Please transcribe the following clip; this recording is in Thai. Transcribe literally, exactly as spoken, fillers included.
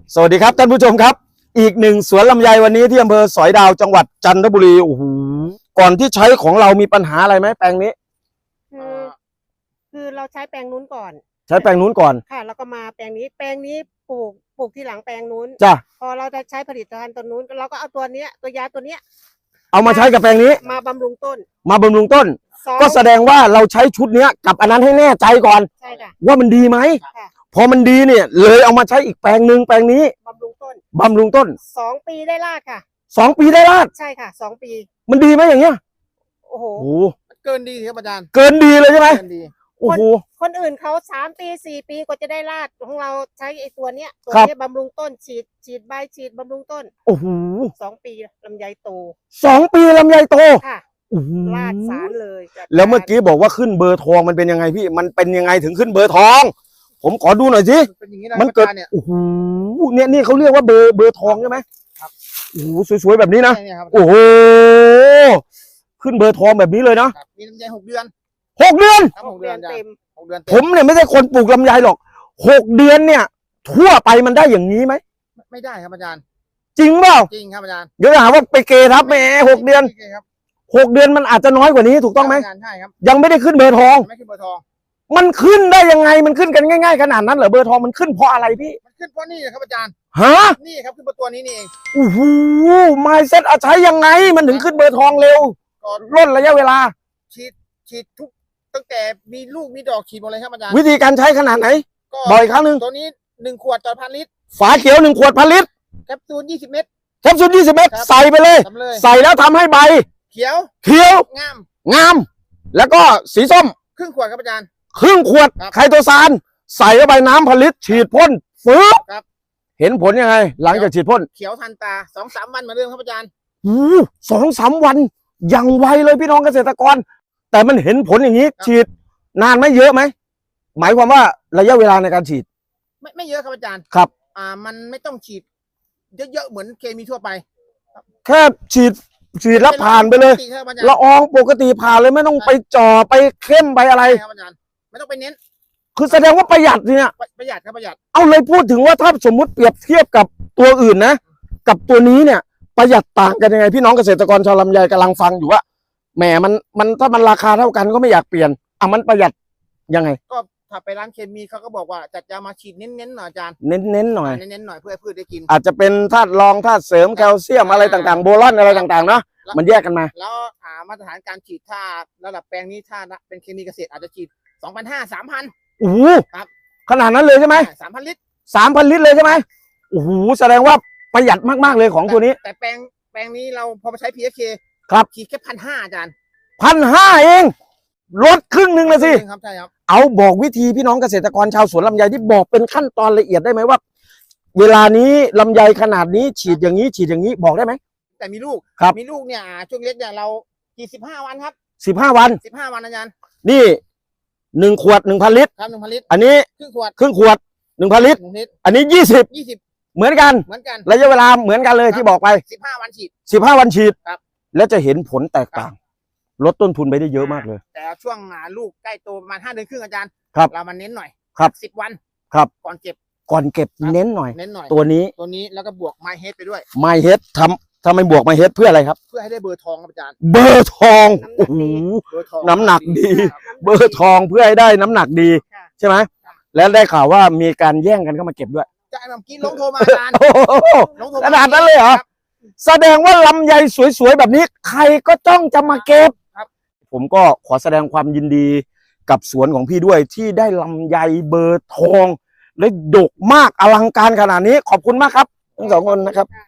สวัสดีครับท่านผู้ชมครับอีกหนึ่งสวนลำไยวันนี้ที่อำเภอสอยดาวจังหวัดจันทบุรีโอ้โหก่อนที่ใช้ของเรามีปัญหาอะไรไหมแปลงนี้คือคือเราใช้แปลงนู้นก่อนใช้แปลงนู้นก่อนค่ะแล้วก็มาแปลงนี้แปลงนี้ปลูกปลูกที่หลังแปลงนู้นจ้ะพอเราจะใช้ผลิตภัณฑ์ตัวนู้นเราก็เอาตัวเนี้ยตัวยาตัวเนี้ยเอามาใช้กับแปลงนี้มาบำรุงต้นมาบำรุงต้นก็แสดงว่าเราใช้ชุดเนี้ยกับอันนั้นให้แน่ใจก่อนใช่ค่ะว่ามันดีไหมพอมันดีเนี่ยเลยเอามาใช้อีกแปลงหนึ่งแปลงนี้บำรุงต้นบำรุงต้นสองปีได้รากค่ะสองปีได้รากใช่ค่ะสองปีมันดีไหมอย่างเงี้ยโอ้โหเกินดีครับอาจารย์เกินดีเลยใช่ไหมเกินดีโอ้โหคนอื่นเขาสามปีสี่ปีกว่าจะได้รากของเราใช้ไอ้ตัวเนี้ยตัวนี้บำรุงต้นฉีดฉีดใบฉีดบำรุงต้นโอ้โหสองปีลำไยโตสองปีลำไยโตค่ะรากสารเลยแล้วเมื่อกี้บอกว่าขึ้นเบอร์ทองมันเป็นยังไงพี่มันเป็นยังไงถึงขึ้นเบอร์ทองผมขอดูหน่อยสิมันเกิดโอ้โหเนี่ยนี่เขาเรียกว่าเบอร์เบอร์ทองใช่ไหมครับโอ้โหสวยๆแบบนี้นะโอ้โหขึ้นเบอร์ทองแบบนี้เลยนะมีลำไยหกเดือนหกเดือนหกเดือนเต็มหกเดือนผมเนี่ยไม่ใช่คนปลูกลำไยหรอกหกเดือนเนี่ยทั่วไปมันได้อย่างนี้ไหมไม่ได้ครับอาจารย์จริงเปล่าจริงครับอาจารย์เดี๋ยวหาว่าไปเกทับแหมหกเดือนหกเดือนมันอาจจะน้อยกว่านี้ถูกต้องไหมใช่ครับยังไม่ได้ขึ้นเบอร์ทองไม่ขึ้นเบอร์ทองมันขึ้นได้ยังไงมันขึ้นกันง่ายๆขนาดนั้นเหรอเบอร์ทองมันขึ้นเพราะอะไรพี่มันขึ้นเพราะนี่ครับอาจารย์ฮะนี่ครับขึ้นเบอร์ตัวนี้นี่เองโอ้โหไมซ์เซ็ตอาใช้ยังไงมันถึงขึ้นเบอร์ทองเร็วล่นระยะเวลาฉีดฉีดทุกตั้งแต่มีลูกมีดอกฉีดหมดเลยครับอาจารย์วิธีการใช้ขนาดไหนบ่อยครั้งหนึ่งตัวนี้หนึ่งขวดต่อพันลิตรฝาเขียวหนึ่งขวดพันลิตรแคปซูลยี่สิบเม็ดแคปซูลยี่สิบเม็ดใส่ไปเลยใส่แล้วทำให้ใบเขียวเขียวงามงามแล้วก็สีส้มครึ่งขวดครับอาจารย์ครึ่งขวดไคโตซานใส่เข้าไปน้ำผลิตฉีดพ่นฟื้นเห็นผลยังไงหลังจากฉีดพ่นเขียวทันตาสองสามวันเหมือนเดิมครับอาจารย์อู้สองสามวันยังไวเลยพี่น้องเกษตรกรแต่มันเห็นผลอย่างนี้ฉีดนานไหมเยอะไหมหมายความว่าระยะเวลาในการฉีดไม่ไม่เยอะครับอาจารย์ครับอ่ามันไม่ต้องฉีดเยอะๆเหมือนเคมีทั่วไปแค่ฉีดฉีดแล้วผ่านไปเลยละอองปกติผ่านเลยไม่ต้องไปจ่อไปเข้มไปอะไรไม่ต้องไปเน้นคือแสดงว่าประหยัดเนี่ยประหยัดครับประหยัดเอาเลยพูดถึงว่าถ้าสมมุติเปรียบเทียบกับตัวอื่นนะกับตัวนี้เนี่ยประหยัดต่างกันยังไงพี่น้องเกษตรกรชาวลำไยกำลังฟังอยู่ว่าแหมมันมันถ้ามันราคาเท่ากันก็ไม่อยากเปลี่ยนอ่ะมันประหยัดยังไงก็ถ้าไปร้านเคมีเขาก็บอกว่าจัดยามาฉีดเน้นๆหน่อยอาจารย์เน้นๆหน่อยเน้นๆหน่อยเพื่อพืชได้กินอาจจะเป็นธาตุรองธาตุเสริมแคลเซียมอะไรต่างๆโบรอนอะไรต่างๆเนาะมันแยกกันมาแล้วหามาตรฐานการฉีดถ้าระดับแปลงนี้ถ้าเป็นเคมีเกษตรอาจจะฉีดสองพันห้าสามพันโอ้โหครับขนาดนั้นเลยใช่ไหมสามพันลิตรสามพันลิตรเลยใช่ไหมโอ้โหแสดงว่าประหยัดมากๆเลยของตัวนี้แต่แปลงแปลงนี้เราพอมาใช้ พี เอส เคครับฉีดแค่พันห้าอาจารย์พันห้าเองลดครึ่งหนึ่งเลยสิครับใช่ครับเอาบอกวิธีพี่น้องเกษตรกรชาวสวนลำไยที่บอกเป็นขั้นตอนละเอียดได้ไหมว่าเวลานี้ลำไยขนาดนี้ฉีดอย่างนี้ฉีดอย่างนี้บอกได้ไหมแต่มีลูกครับมีลูกเนี่ยช่วงเล็กเนี่ยเรากี่สิบห้าวันครับสิบห้าวันสิบห้าวันอาจารย์นี่หนึ่งขวดหนึ่งพันลิตรครับหนึ่งพันลิตรอันนี้ครึ่งขวดครึ่งขวดหนึ่งพันลิตรอันนี้ยี่สิบยี่สิบเหมือนกันเหมือนกันระยะเวลาเหมือนกันเลยที่บอกไปสิบห้าวันฉีดสิบห้าวันฉีดครับแล้วจะเห็นผลแตกต่างลดต้นทุนไปได้เยอะมากเลยแต่ช่วงลูกใกล้โตประมาณห้าเดือนครึ่งอาจารย์ครับเรามาเน้นหน่อยครับสิบวันครับก่อนเก็บก่อนเก็บเน้นหน่อยเน้นหน่อยตัวนี้ตัวนี้แล้วก็บวกไมเฮดไปด้วยไมเฮดทำทำไมบวกไมเฮดเพื่ออะไรครับเพื่อให้ได้เบอร์ทองครับอาจารย์เบอร์ทองโอ้โหน้ำหนักดีเบอร์ทองเพื่อให้ได้น้ำหนักดีใช่ไหมแล้วได้ข่าวว่ามีการแย่งกันเข้ามาเก็บด้วยใช่เมื่อกี้ลงโทรมาอาจารย์ขนาดนั้นเลยเหรอแสดงว่าลำไยสวยๆแบบนี้ใครก็จ้องจะมาเก็บผมก็ขอแสดงความยินดีกับสวนของพี่ด้วยที่ได้ลำไยเบอร์ทองและดกมากอลังการขนาดนี้ขอบคุณมากครับทั้งสองคนนะครับ